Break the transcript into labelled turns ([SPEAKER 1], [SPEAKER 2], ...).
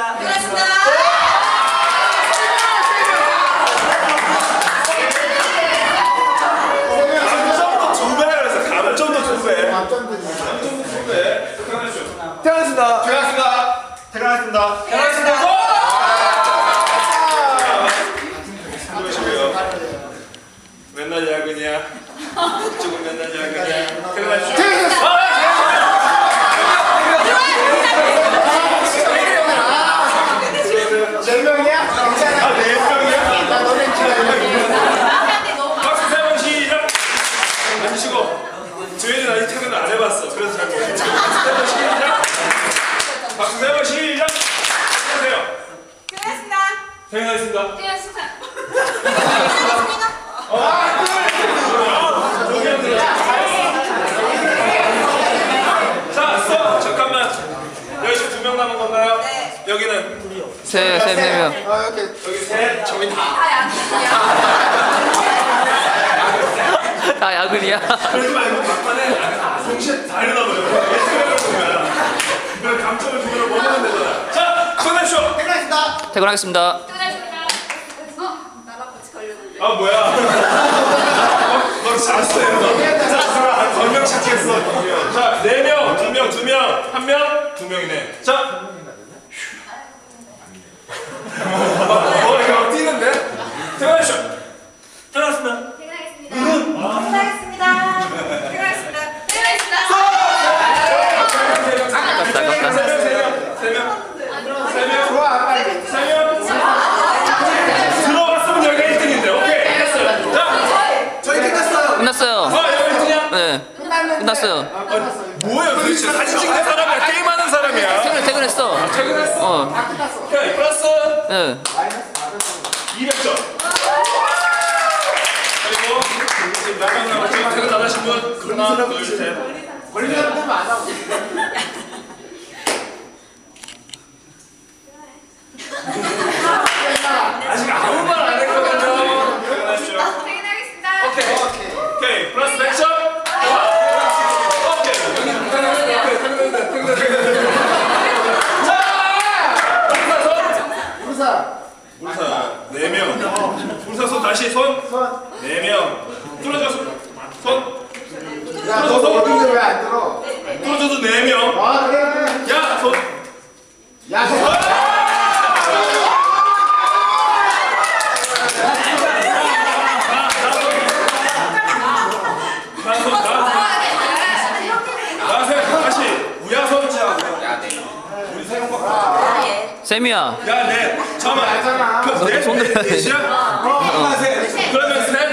[SPEAKER 1] 퇴근하겠습니다.
[SPEAKER 2] 퇴근하겠습니다.
[SPEAKER 1] 퇴근하겠습니다.
[SPEAKER 3] 퇴근하겠습니다. 맨날 야근이야. 이쪽은 맨날 야근이야. 퇴근하십시오.
[SPEAKER 1] 몇 명이야? 괜찮아.
[SPEAKER 3] 아, 4명이야?
[SPEAKER 1] 나 너네
[SPEAKER 3] 박수 3번 시작! 앉으시고. 저희는 아직 퇴근을 안 해봤어. 그래서 잘 모르겠어요. 3번 시작! 박수 3번 시작! 하세요.
[SPEAKER 2] 퇴근하겠습니다.
[SPEAKER 3] 퇴근하겠습니다.
[SPEAKER 2] 퇴근하겠습니다.
[SPEAKER 3] 자, 스톱! 잠깐만. 여기 지금 2명 남은 건가요?
[SPEAKER 2] 네.
[SPEAKER 3] 여기는?
[SPEAKER 4] 세 명.
[SPEAKER 3] 여기 셋, 저기 다.
[SPEAKER 4] 다 야근이야.
[SPEAKER 3] 그러지 말고 막판에 동시에 다 일어나버려. 예측을 보면. 그럼 감점을 주면 먹으면 되잖아. 자, 손내쇼!
[SPEAKER 1] 퇴근하겠습니다.
[SPEAKER 4] 퇴근하겠습니다.
[SPEAKER 2] 퇴근하겠습니다. 나랑 같이 가려는데.
[SPEAKER 3] 아, 뭐야. 너 잘했어요. 너. 건명 시작했어. 자, 4명, 2명, 2명, 1명, 2명이네. 자. 이거 뛰는데? 퇴근하쇼! 퇴근하셨습니다.
[SPEAKER 2] 퇴근하겠습니다. 퇴근하겠습니다. 퇴근하겠습니다. 퇴근하겠습니다.
[SPEAKER 1] 좋아, 빨리.
[SPEAKER 3] 들어갔으면 여기가 1등인데. 오케이. 됐어요. 자.
[SPEAKER 1] 저희 끝났어요.
[SPEAKER 4] 끝났어요.
[SPEAKER 3] 여기 1등이야?
[SPEAKER 4] 네. 끝났어요.
[SPEAKER 3] 뭐야 도대체? 사진 찍는 사람이야? 게임하는 사람이야?
[SPEAKER 4] 퇴근했어.
[SPEAKER 3] 퇴근했어?
[SPEAKER 1] 다 끝났어.
[SPEAKER 3] 오케이. 플러스
[SPEAKER 4] 네.
[SPEAKER 3] 200점. 그리고 지금 몇명 남았죠? 퇴근 안 하신 분? 하나, 둘, 셋.
[SPEAKER 1] 걸리는 사람들은 안 하고.
[SPEAKER 3] 아직 아무 말 안 했거든요. 퇴근하십시오.
[SPEAKER 2] 퇴근하겠습니다.
[SPEAKER 3] 오케이. 플러스 100점. 오케이.
[SPEAKER 1] 우사.
[SPEAKER 3] 우리사 4명. 우리사 손 다시 손. 4명. 뚫어져 손.
[SPEAKER 1] 야, 너 어딘데 왜안 들어?
[SPEAKER 3] 뚫어져도 4명.
[SPEAKER 1] 아, 그래.
[SPEAKER 3] 야 손.
[SPEAKER 1] 야, 너.
[SPEAKER 4] 쌤이야.
[SPEAKER 3] 야, 넷. 잠깐만.
[SPEAKER 1] 알잖아.
[SPEAKER 3] 넷?
[SPEAKER 4] 손 들어야 돼.
[SPEAKER 3] 넷이야? 그러면 셋.